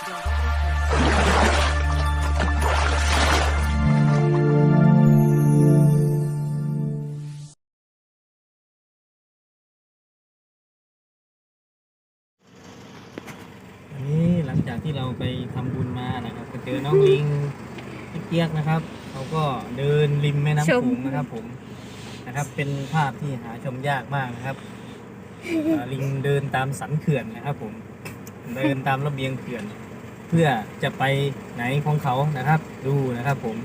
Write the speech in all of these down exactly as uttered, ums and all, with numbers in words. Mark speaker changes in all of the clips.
Speaker 1: อันนี้หลังจากที่เราไปทำบุญมานะครับไปเจอน้องลิงพี่เกียกนะครับเขาก็เดินริมแม่น้ำโขงนะครับผมนะครับเป็นภาพที่หาชมยากมากนะครับลิงเดินตามสันเขื่อนนะครับผมเดินตามระเบียงเขื่อนเพื่อจะไปไหนของเขานะครับดูนะครับผม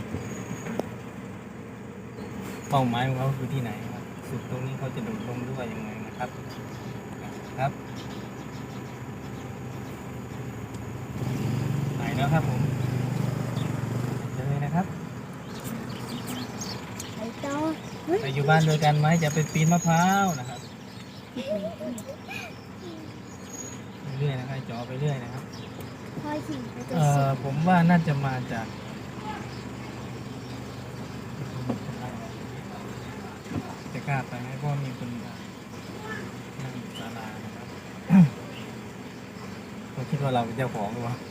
Speaker 1: เป้าหมายของเขาคือที่ไหนครับสุดตรงนี้เขาจะโดดลงด้วยยังไงนะครับครับไปแล้วครับผมเจอเลยนะครับ
Speaker 2: ไปต่อ
Speaker 1: ไปอยู่บ้านด้วยกันไหมจะไปปีนมะพร้าวนะครับเรื่อยๆนะครับจ่อไปเรื่อยนะครับ
Speaker 2: พอยขี่ไปตัว
Speaker 1: เอ่อผมว่าน่าจะมาจากจะกล้าไปไหมเพราะมีคนนั่งศาลานะครับเขาคิดว่าเราเป็นเจ้าของหรือเปล่า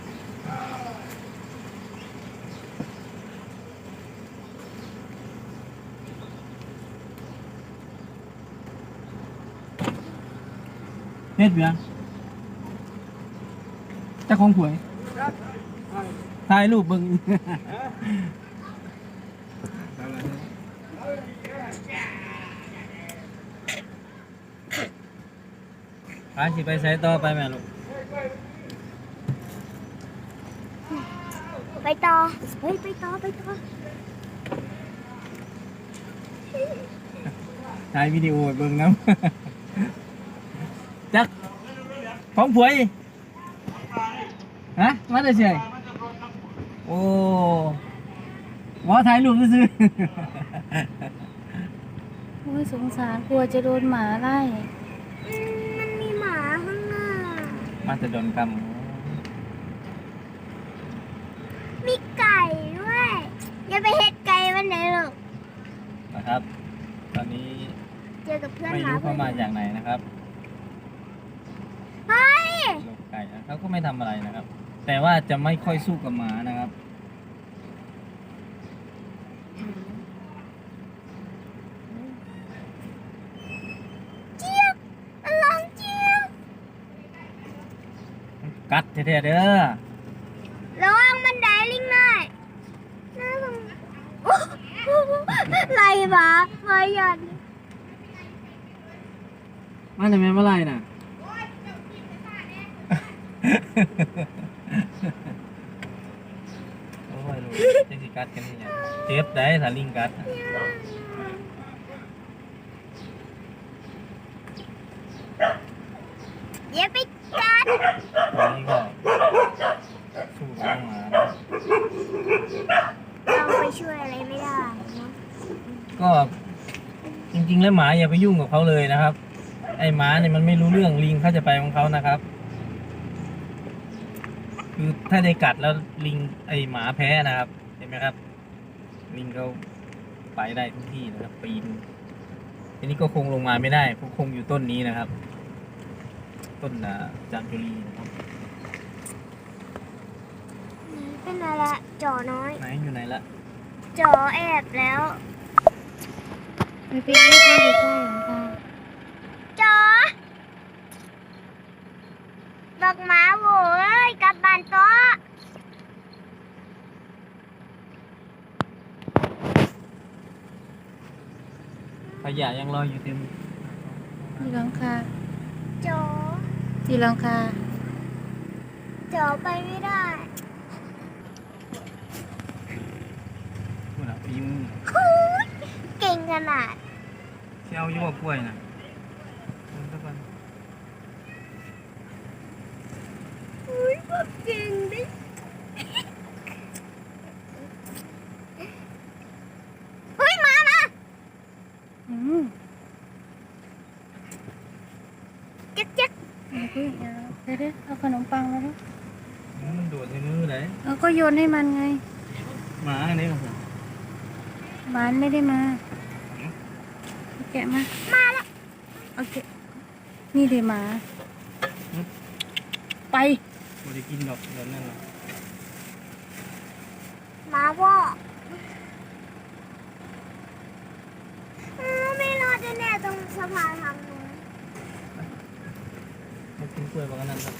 Speaker 1: เฮ็ดเบียงเจ้าของหวยถ่ายรูปเบิ่งพาสิไปใช้ต่อไปแม่ลูก
Speaker 2: ไปต่อเฮ้ยไปต่อไปต่อ
Speaker 1: ถ่ายวิดีโอเบิ่งน้ำ จักของผวยฮะมาได้เฉยโอ้ว่าถ่ายรูปซื้อ
Speaker 3: โอ้ยสงสารกลัวจะโดนหมาไล่
Speaker 2: มันมีหมาข้างหน้า
Speaker 1: มาจะโดนกรรม
Speaker 2: มีไก่ด้วยอย่าไปเฮ็ดไก่วันไหนหรอก
Speaker 1: นะครับ ตอนนี้
Speaker 2: เจอกับเพื่อน
Speaker 1: ไม่
Speaker 2: หมา
Speaker 1: รู้
Speaker 2: เพื่
Speaker 1: เข้า
Speaker 2: อน
Speaker 1: มาจากไหนนะครับ
Speaker 2: เฮ้ย
Speaker 1: ลูกไก่นะเขาก็ไม่ทำอะไรนะครับ แต่ว่าจะไม่ค่อยสู้กับหมานะครับ
Speaker 2: เจี๊ยบมันร้องเจี๊ยบ
Speaker 1: กัดแท้ๆเด้อ
Speaker 2: ระวังมันได้ลิงหน่อยน่าสงไรหมามาหยัน
Speaker 1: มาทำไมเมื่อไรน่ะ โอ้ยลูกจะสิกัดกันนี่ยังเจ็บได้ถ้าลิงกัด
Speaker 2: อย่าไปกัด
Speaker 1: ตอนนี้ก็สู้กับหมานะ
Speaker 2: เราไปช่วยอะไรไม่ได้นะ
Speaker 1: ก็จริงๆแล้วหมาอย่าไปยุ่งกับเขาเลยนะครับ ไอ้หมาเนี่ยมันไม่รู้เรื่องลิงเขาจะไปของเขานะครับคือถ้าได้กัดแล้วลิงไอ้หมาแพ้นะครับเห็นไหมครับลิงเขาไปได้ทุกที่นะครับปีนทีนี้ก็คงลงมาไม่ได้เพราะคงอยู่ต้นนี้นะครับ ต้นจามจุรีนะครับ
Speaker 2: เป็นอะไรจ่อน้อย
Speaker 1: ไหนอยู่ไหนละ
Speaker 2: จ่อแอบแล้ว
Speaker 3: ไปไปไม่เข้าไปใกล้หลวงตา
Speaker 2: จ่อบักหมาโว้ยกลับบ้านต่อ
Speaker 1: ขยะยังลอยอยู่เต็ม
Speaker 3: ที่หลังคา
Speaker 2: จ่อ
Speaker 3: ที่หลังคา
Speaker 2: จ่อไปไม่ได้
Speaker 1: นู่นน่ะปีมือ
Speaker 2: คูดเก่งขนาด
Speaker 1: เชี่ยวยั่วกล้วยน่ะมันสักวัน
Speaker 2: อุ้ยบอกเก่งดิเฮ้ยมามา
Speaker 3: อืม
Speaker 2: เจ๊กเจ๊ก
Speaker 3: เอาไปเอาเดี๋ยวเดี๋ยวเอาขนมปังมาดิ
Speaker 1: มันโดดในมือเลย
Speaker 3: เอาก็โยนให้มันไง
Speaker 1: หมาอันนี้ครับผม
Speaker 3: หมานไม่ได้มาแกะมา
Speaker 2: มาแล้ว
Speaker 3: โอเคนี่เดี๋ยวหมา ไป
Speaker 1: ไม่ได้กินดอกแบบนั้นหรอก
Speaker 2: มาพ่ออืมไม่รอดแน่ๆตรงสะพานทางนู้น
Speaker 1: ไม่กินกล้วยบางนั้นครับ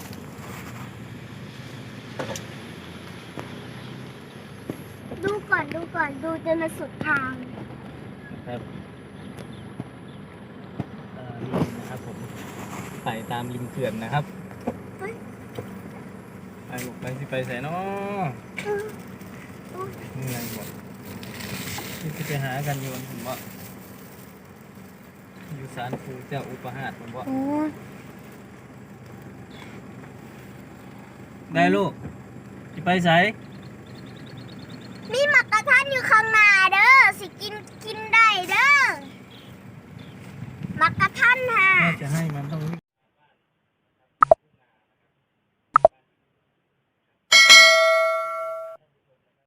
Speaker 2: ดูก่อนดูก่อนดูจนมาสุดทาง
Speaker 1: นะครับเอ่อนี่นะครับผมไปตามริมเขื่อนนะครับ
Speaker 2: เฮ้ย
Speaker 1: ไปลูกไปสิไปใส่เนาะ
Speaker 2: เออโอ้ย
Speaker 1: เหนื่อยหมดที่จะไปหากันอยู่ผมว่าอยู่ศาลปู่เจ้าอุปหาสผมว่า
Speaker 3: โอ้
Speaker 1: ได้ลูกจะไปใส่
Speaker 2: มีหมักกระทันอยู่ข้างหน้าเด้อสิกินกินได้เด้อหมักกระทันค่ะ
Speaker 1: ถ้าจะให้มันต้องรีบ